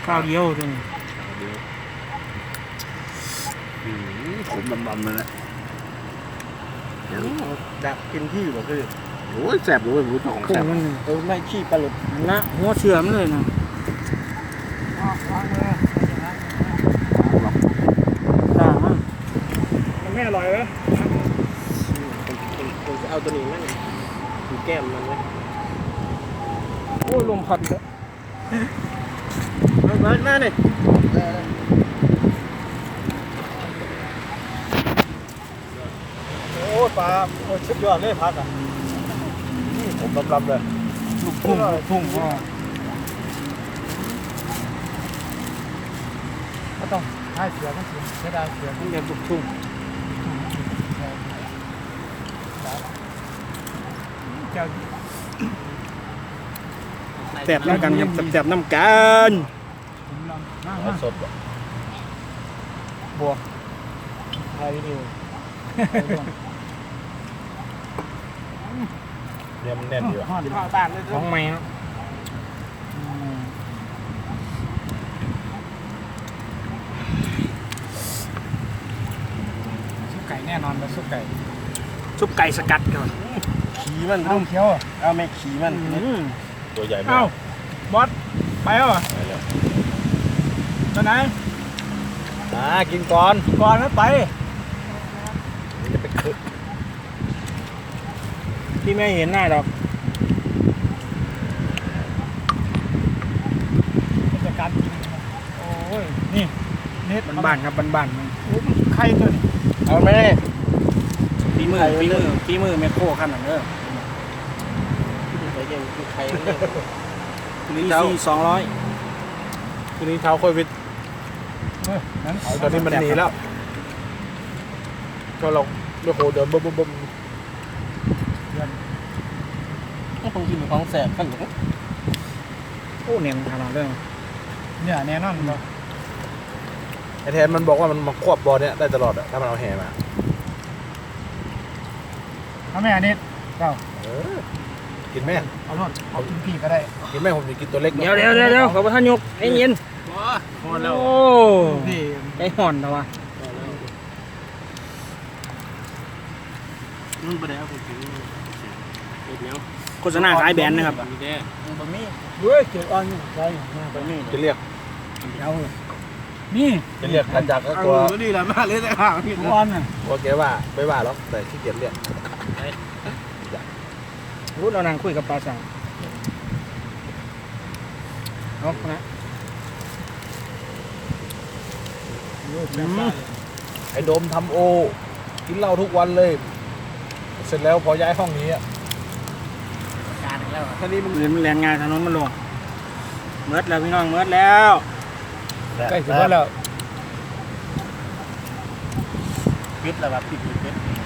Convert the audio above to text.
ข้าวเดียวตรงนี้ขมดำๆเลยนะดักกินที่บ่คือโอ้ยแสบเลยรู้ของพุ่แสงบมันไม่ขี้ปลาหลุดนะหัวเชื่อมเลยนะด่างมันมันไม่อร่อยเหรอผมจะเอาตัวนี้มั้งดูแก้มมันไว้โอ้ลมพัดเลยมาเนี่ยโอ้ปลาโอ้ชุดยอดเลยพักอ่ะผมลำๆเลยลูกทุ่งก็ก็ต้องให้เสือก็เสือใช้ได้เสือมันแบบลูกทุ่งแสบน้ำกันครับแสบน้ำกันสดบวกไทยนิวเนี่ยมันแน่นอยู่ผ้าบ้านเลยของใหม่เนาะซุปไก่แน่นอนเลยซุปไก่ซุปไก่สกัดก่อนขี่มันต้องเคี้ยวเอาไม่ขี่มันตัวใหญ่เอ้าบอสไปแล้วเหรอตอนไหนกินก่อนก่อนแล้วไปจะไปคึกพี่ไม่เห็นหน้าดอกจากการกินโอ้ยนี่เน็ตบ้านๆครับบ้านๆมันไข่ตัวนี้เอาไหมฝีมือแมคโครขั้นนั้นเด้อไข่ยังไข่พีซี200 ทีนี้เท้าค่อยวิทย์นั้นตอนนี้มันหนีแล้วก็เราโอ้โหเดินบึ้มก็คงกินของแสบขั้นหนึ่งโอ้เนียนขนาดเด้อเนี่ยแน่นอนเลยไอแทนมันบอกว่ามันมาควบบอลเนี่ยได้ตลอดอะถ้ามันเอาแห่มาเอาแม่เน็ตเจ้ากินไหมเอาโน่นเอากินพี่ก็ได้กินไหมผมจะกินตัวเล็กเดี๋ยวขอประทานยกไอ้เย็นพอแล้วโอ้พี่ใจห่อนแล้ววะนุ่นไปแล้วผมถึงเดี๋ยวโฆษณาขายแบรนด์นะครับมีแด่บะหมี่ด้วยเกี่ยวอ่อนใช่บะหมี่จะเรียกเอานี่จะเรียกกันจากก็ตัวก็ดีแล้วมาเลยแต่ห่างพี่อ่อนน่ะว่าแกว่าไม่ว่าหรอกแต่ขี้เกียจเรียกรู้เรานั่งคุยกับปลาสั่งเอานะไอ้โดมทำโอกินเหล้าทุกวันเลย เสร็จแล้วพอย้ายห้องนี้อะการแล้วท่านี้มันแรงงานถนนมันลงเมิดแล้วพี่น้องเมิดแล้วใกล้ถึงแล้วปิดแล้วแบบปิด